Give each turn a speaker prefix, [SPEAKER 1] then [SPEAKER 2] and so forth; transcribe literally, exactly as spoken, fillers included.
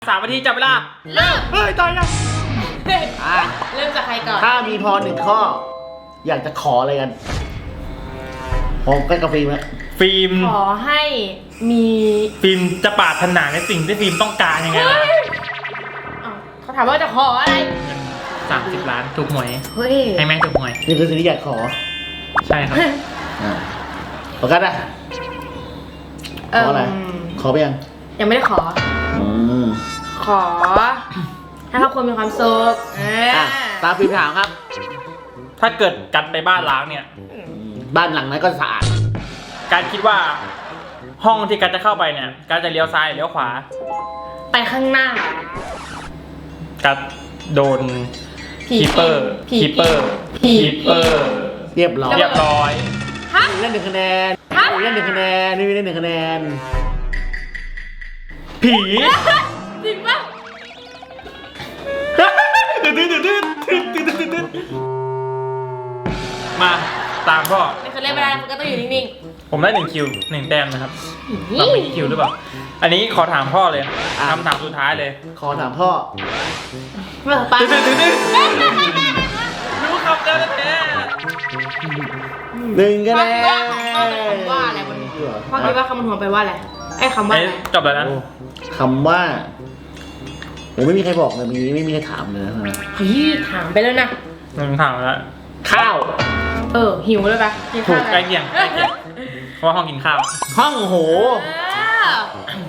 [SPEAKER 1] สามนาทีจับเวลา
[SPEAKER 2] เริ่ม
[SPEAKER 1] เฮ้ยตายยัง
[SPEAKER 2] อ่ะเริ่มจากใครก่อน
[SPEAKER 3] ถ้ามีพอหนึ่งข้อ อยากจะขออะไรกันพร้อมกันกับฟิล์มไหม
[SPEAKER 1] ฟิล์ม
[SPEAKER 2] ขอให้มี
[SPEAKER 1] ฟิล์มจะปรารถนาในสิ่งที่ฟิล์มต้องการยังไง
[SPEAKER 2] เฮ้
[SPEAKER 1] ล่ะ
[SPEAKER 2] ยอ้าวเขาถามว่าจะขออะไร
[SPEAKER 1] สามสิบล้านถูกหวย
[SPEAKER 2] เฮ้ย
[SPEAKER 1] ให้แม่ถูกหวย
[SPEAKER 3] นี่คือสิ่งที่อยากขอ
[SPEAKER 1] ใช่ครับ
[SPEAKER 3] อ่าโอกัสอะขออะไร ขอไปยัง
[SPEAKER 2] ยังไม่ได้ขอ
[SPEAKER 3] อืม
[SPEAKER 2] ขอให้ครอบครัวมีความสุขอ่า
[SPEAKER 3] อ่ะตามฟิล์มถามครับ
[SPEAKER 1] ถ้าเกิดกันไปบ้านล้างเนี่ย
[SPEAKER 3] บ้านหลังนั้นก็สะอาด
[SPEAKER 1] การคิดว่าห้องที่การจะเข้าไปเนี่ย การจะเลี้ยวซ้ายเลี้ยวขวา
[SPEAKER 2] ไปข้างหน้า
[SPEAKER 1] การโดน
[SPEAKER 2] ผี
[SPEAKER 1] คีเปอร์
[SPEAKER 2] ผี
[SPEAKER 1] คีเปอร์
[SPEAKER 2] ผี
[SPEAKER 1] คีเปอร์
[SPEAKER 3] เรียบร้อย
[SPEAKER 1] เรียบร้อย
[SPEAKER 2] ฮะ
[SPEAKER 3] เล่นหนึ่งคะแนน
[SPEAKER 2] ฮะ
[SPEAKER 3] เล่นหนึ่งคะแนนนี่เล่นหนึ่งคะแนน
[SPEAKER 1] ผี
[SPEAKER 2] จริงปะ
[SPEAKER 1] มาตามพ่อ
[SPEAKER 2] ไม่เคยเล่นไม่ได้มันก็ต้องอยู่นิ่ง
[SPEAKER 1] ผมได้หนึ่งคิวหนึ่งแต้มนะครับ
[SPEAKER 2] ๆ
[SPEAKER 1] เราไม่กี่คิวหรือเปล่า อันนี้ขอถามพ่อเลยคำถามสุดท้ายเลย
[SPEAKER 3] ขอถามพ่อ
[SPEAKER 2] เมื่อไป
[SPEAKER 1] รู้คำแล้วแท้
[SPEAKER 3] หนึ่งคะ
[SPEAKER 2] พ่อ
[SPEAKER 3] แน
[SPEAKER 2] คิดว่าน คำว่าอะไรบนพ่อคิดว่าคำบนหัวไปลว่าอะไรไอ้คำว่า
[SPEAKER 1] ไอ้
[SPEAKER 2] อะไร
[SPEAKER 1] จบแล้วนะ
[SPEAKER 3] คำว่าผมไม่มีใครบอกเลยมีไม่มีใครถามเลยนะ
[SPEAKER 2] เฮ้ยถามไปแล้วนะ
[SPEAKER 1] หนึ่งถามแล้ว
[SPEAKER 3] ข้าว
[SPEAKER 2] เออหิวเลยปะกิน
[SPEAKER 1] ถู
[SPEAKER 2] ข้าว
[SPEAKER 1] ก
[SPEAKER 2] อะไร
[SPEAKER 1] ใกล้เคียงใกล้เคียงเพราะว่าห้องกินข้าว
[SPEAKER 3] ห้องโห
[SPEAKER 2] เออ